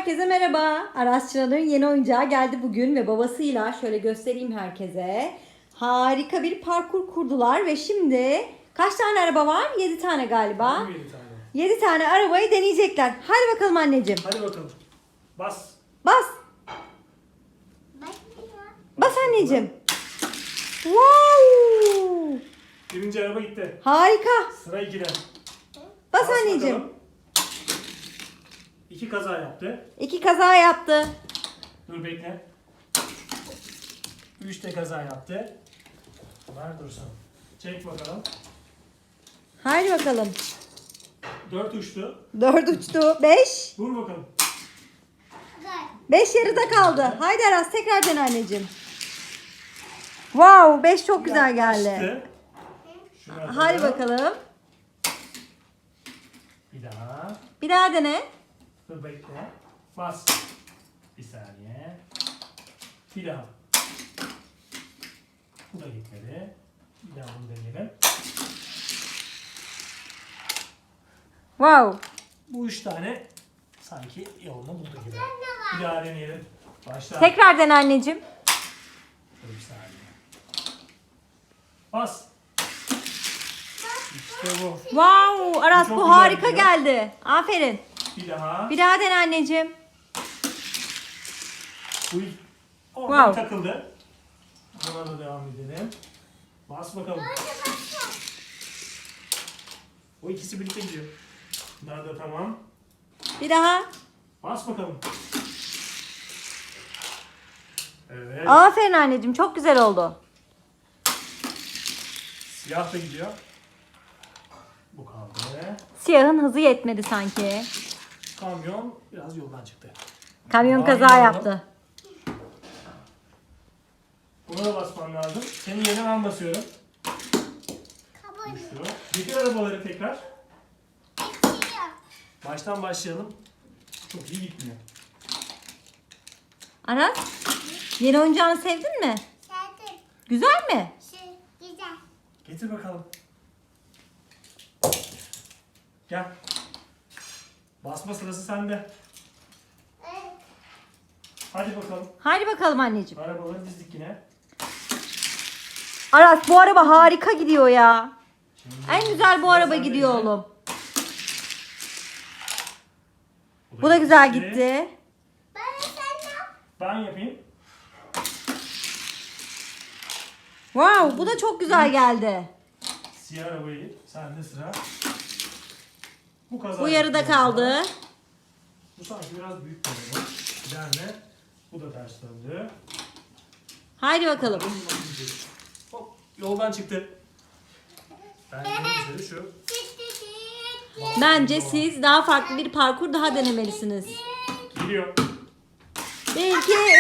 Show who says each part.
Speaker 1: Herkese merhaba. Aras Çınar'ın yeni oyuncağı geldi bugün ve babasıyla şöyle göstereyim herkese. Harika bir parkur kurdular ve şimdi kaç tane araba var? 7 tane galiba.
Speaker 2: 7 tane.
Speaker 1: 7 tane arabayı deneyecekler. Hadi bakalım anneciğim.
Speaker 2: Hadi bakalım. Bas.
Speaker 1: Bas. Bas anneciğim. Wow!
Speaker 2: Birinci araba gitti.
Speaker 1: Harika.
Speaker 2: Sıra 2'de.
Speaker 1: Bas anneciğim.
Speaker 2: Bakalım. 2 kaza yaptı.
Speaker 1: 2 kaza yaptı.
Speaker 2: Dur bekle. 3 de kaza yaptı. Ver dursun. Çek bakalım.
Speaker 1: Haydi bakalım.
Speaker 2: 4 uçtu.
Speaker 1: 4 uçtu. 5.
Speaker 2: Vur bakalım.
Speaker 1: 5 yarıda kaldı. Haydi Aras tekrar dene anneciğim. Wow, 5 çok güzel geldi.
Speaker 2: Yaklaştı. Şunu atalım.
Speaker 1: Haydi bakalım.
Speaker 2: Bir daha.
Speaker 1: Bir daha dene.
Speaker 2: Dur bekle. Bas. Bir saniye. Bir daha. Bu da gitmedi. Bir daha bunu deneyelim.
Speaker 1: Wow.
Speaker 2: Bu 3 tane sanki yolunu buldu gibi. Bir daha deneyelim. Başla.
Speaker 1: Tekrar dene anneciğim.
Speaker 2: Dur bir saniye. Bas. İşte bu.
Speaker 1: Wow, Aras
Speaker 2: Çok
Speaker 1: bu
Speaker 2: güzel
Speaker 1: harika
Speaker 2: gidiyor.
Speaker 1: geldi. Aferin.
Speaker 2: Bir daha.
Speaker 1: Bir daha dene anneciğim.
Speaker 2: Bu orada
Speaker 1: Wow.
Speaker 2: takıldı. Buna da devam edelim. Bas bakalım. O ikisi birlikte gidiyor. Bunlar da tamam.
Speaker 1: Bir daha.
Speaker 2: Bas bakalım. Evet.
Speaker 1: Aferin anneciğim, çok güzel oldu.
Speaker 2: Siyah da gidiyor. Bu kaldı.
Speaker 1: Siyahın hızı yetmedi sanki.
Speaker 2: Kamyon biraz yoldan çıktı.
Speaker 1: Kamyon
Speaker 2: Vay
Speaker 1: kaza
Speaker 2: be.
Speaker 1: yaptı.
Speaker 2: Buna da basman lazım. Senin yerine ben basıyorum. Düştü. Getir arabaları tekrar. Baştan başlayalım. Çok iyi gitmiyor.
Speaker 1: Aras, yeni oyuncağını sevdin mi? Güzel mi?
Speaker 2: Getir bakalım. Gel. Basma sırası sende. Hadi bakalım.
Speaker 1: Haydi bakalım anneciğim.
Speaker 2: Arabaları dizdik yine.
Speaker 1: Aras bu araba harika gidiyor ya.
Speaker 2: Şimdi
Speaker 1: En güzel bu
Speaker 2: sıra
Speaker 1: araba
Speaker 2: sende
Speaker 1: gidiyor
Speaker 2: yine.
Speaker 1: oğlum. Bu da güzel gitti.
Speaker 2: Ben yapayım.
Speaker 1: Wow, bu da çok güzel geldi.
Speaker 2: Siyah arabayı. Sende sıra. Bu kaza
Speaker 1: Bu yarıda
Speaker 2: yapıyor.
Speaker 1: kaldı.
Speaker 2: Bu sanki biraz büyük bir araba. Gider mi? Bu da ters döndü.
Speaker 1: Haydi bakalım.
Speaker 2: Hop, yoldan çıktı. Ben en güzeli şu.
Speaker 1: Bence siz daha farklı bir parkur daha denemelisiniz.
Speaker 2: Geliyor.
Speaker 1: 1, 2,